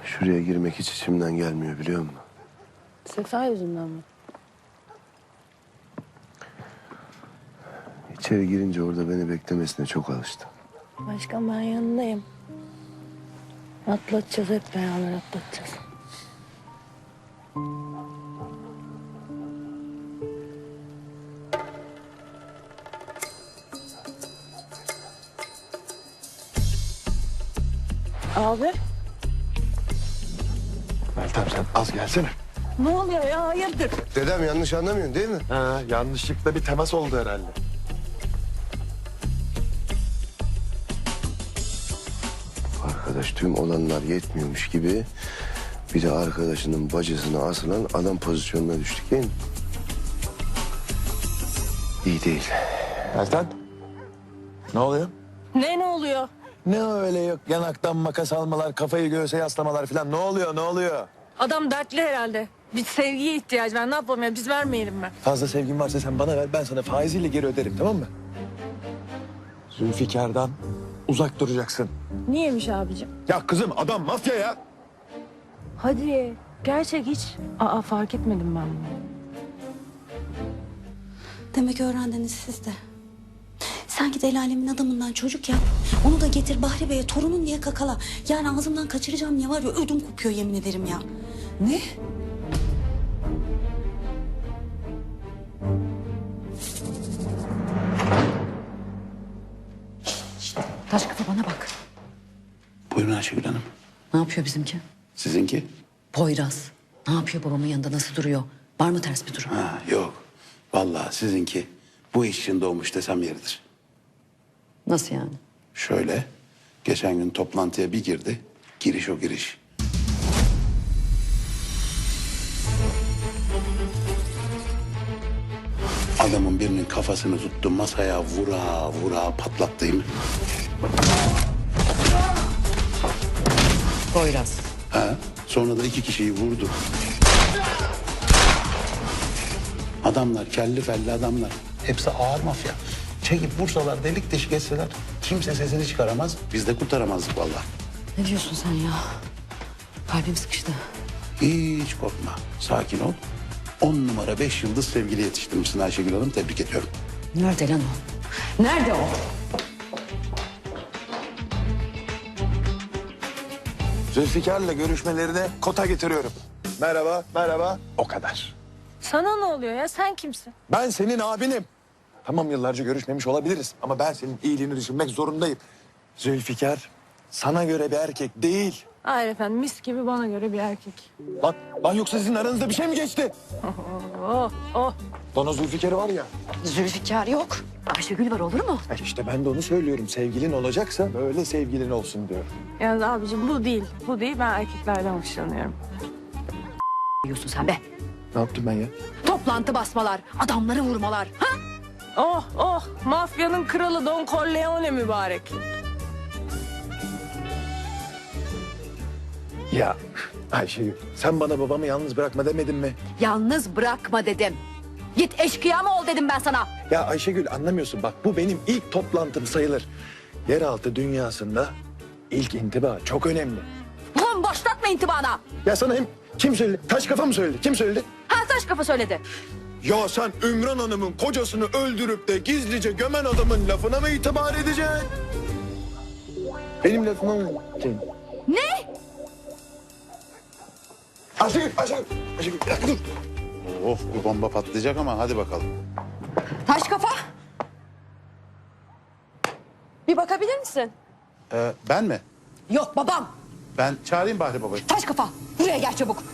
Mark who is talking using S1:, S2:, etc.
S1: Şuraya girmek hiç içimden gelmiyor biliyor musun?
S2: Sefa yüzünden mi?
S1: İçeri girince orada beni beklemesine çok alıştım.
S2: Başkan ben yanındayım. Atlatacağız, hep beraber atlatacağız. Abi,
S3: Meltem sen az gelsene.
S2: ne oluyor ya? Hayırdır?
S1: Dedem yanlış anlamıyorsun değil mi?
S3: Ha, yanlışlıkla bir temas oldu herhalde.
S1: Arkadaş tüm olanlar yetmiyormuş gibi bir de arkadaşının bacısına asılan adam pozisyonuna düştük değil mi? İyi değil.
S3: Meltem. Ne oluyor?
S2: Ne oluyor?
S3: Ne öyle yok yanaktan makas almalar, kafayı göğse yaslamalar falan. Ne oluyor, ne oluyor?
S2: Adam dertli herhalde. Bir sevgiye ihtiyacı var. Ne yapalım ya? Biz vermeyelim mi?
S3: Fazla sevgin varsa sen bana ver, ben sana faiziyle geri öderim, tamam mı? Zülfikar'dan uzak duracaksın.
S2: Niyemiş abicim?
S3: Ya kızım adam mafya ya.
S2: Hadi. Gerçek hiç. Fark etmedim ben bunu.
S4: Demek öğrendiniz siz de. Sen git el alemin adamından çocuk yap. Onu da getir Bahri Bey'e torunun diye kakala. Yani ağzımdan kaçıracağım ya var ya ödüm kopuyor yemin ederim ya. Ne?
S5: Taş kafa bana bak.
S6: Buyurun Ayşegül Hanım.
S5: Ne yapıyor bizimki?
S6: Sizinki?
S5: Poyraz. Ne yapıyor babamın yanında, nasıl duruyor? Var mı ters bir durum?
S6: Ha, yok. Vallahi sizinki bu iş için doğmuş desem yeridir.
S5: Nasıl yani?
S6: Şöyle, geçen gün toplantıya bir girdi. Giriş o giriş. Adamın birinin kafasını tuttu, masaya vura vura patlattım.
S5: Poyraz.
S6: Ha, sonra da 2 kişiyi vurdu. Adamlar kelli felli adamlar. Hepsi ağır mafya. Çekip vursalar, delik deşik etseler kimse sesini çıkaramaz. Biz de kurtaramazdık vallahi.
S5: Ne diyorsun sen ya? Kalbim sıkıştı.
S6: Hiç korkma. Sakin ol. 10 numara 5 yıldız sevgili yetiştirmişsin Ayşegül Hanım. Tebrik ediyorum.
S5: Nerede lan o? Nerede o?
S3: Zülfikar'la görüşmelerine kota getiriyorum. Merhaba, merhaba. O kadar.
S2: Sana ne oluyor ya? Sen kimsin?
S3: Ben senin abinim. Tamam yıllarca görüşmemiş olabiliriz ama ben senin iyiliğini düşünmek zorundayım. Zülfikar sana göre bir erkek değil.
S2: Hayır efendim, mis gibi bana göre bir erkek.
S3: Lan yoksa sizin aranızda bir şey mi geçti?
S2: Oh, oh.
S3: Lan o Zülfikar'ı var ya.
S5: Zülfikar yok. Ayşegül var, olur mu?
S3: İşte ben de onu söylüyorum. Sevgilin olacaksa böyle sevgilin olsun diyorum.
S2: Yani abicim bu değil. Bu değil. Ben erkeklerden hoşlanıyorum.
S5: Diyorsun sen be.
S3: Ne yaptım ben ya?
S5: Toplantı basmalar, adamları vurmalar. Ha?
S2: Oh, oh. Mafyanın kralı Don Corleone mübarek.
S3: Ya Ayşegül sen bana babamı yalnız bırakma demedin mi?
S5: Yalnız bırakma dedim. Git eşkıya mı ol dedim ben sana.
S3: Ya Ayşegül anlamıyorsun bak bu benim ilk toplantım sayılır. Yeraltı dünyasında ilk intiba çok önemli.
S5: Ulan başlatma intibana.
S3: Ya sana hem kim söyledi? Taş kafa mı söyledi? Kim söyledi?
S5: Ha, taş kafa söyledi.
S3: Ya sen Ümran Hanım'ın kocasını öldürüp de gizlice gömen adamın lafına mı itibar edeceksin? Benim lafıma mı?
S5: Ne?
S3: Ayşegül, bir dakika dur.
S6: Of bu bomba patlayacak ama hadi bakalım.
S5: Taş kafa. Bir bakabilir misin?
S6: Ben mi?
S5: Yok babam.
S6: Ben çağırayım Bahri Baba'yı.
S5: Taş kafa. Buraya gel çabuk.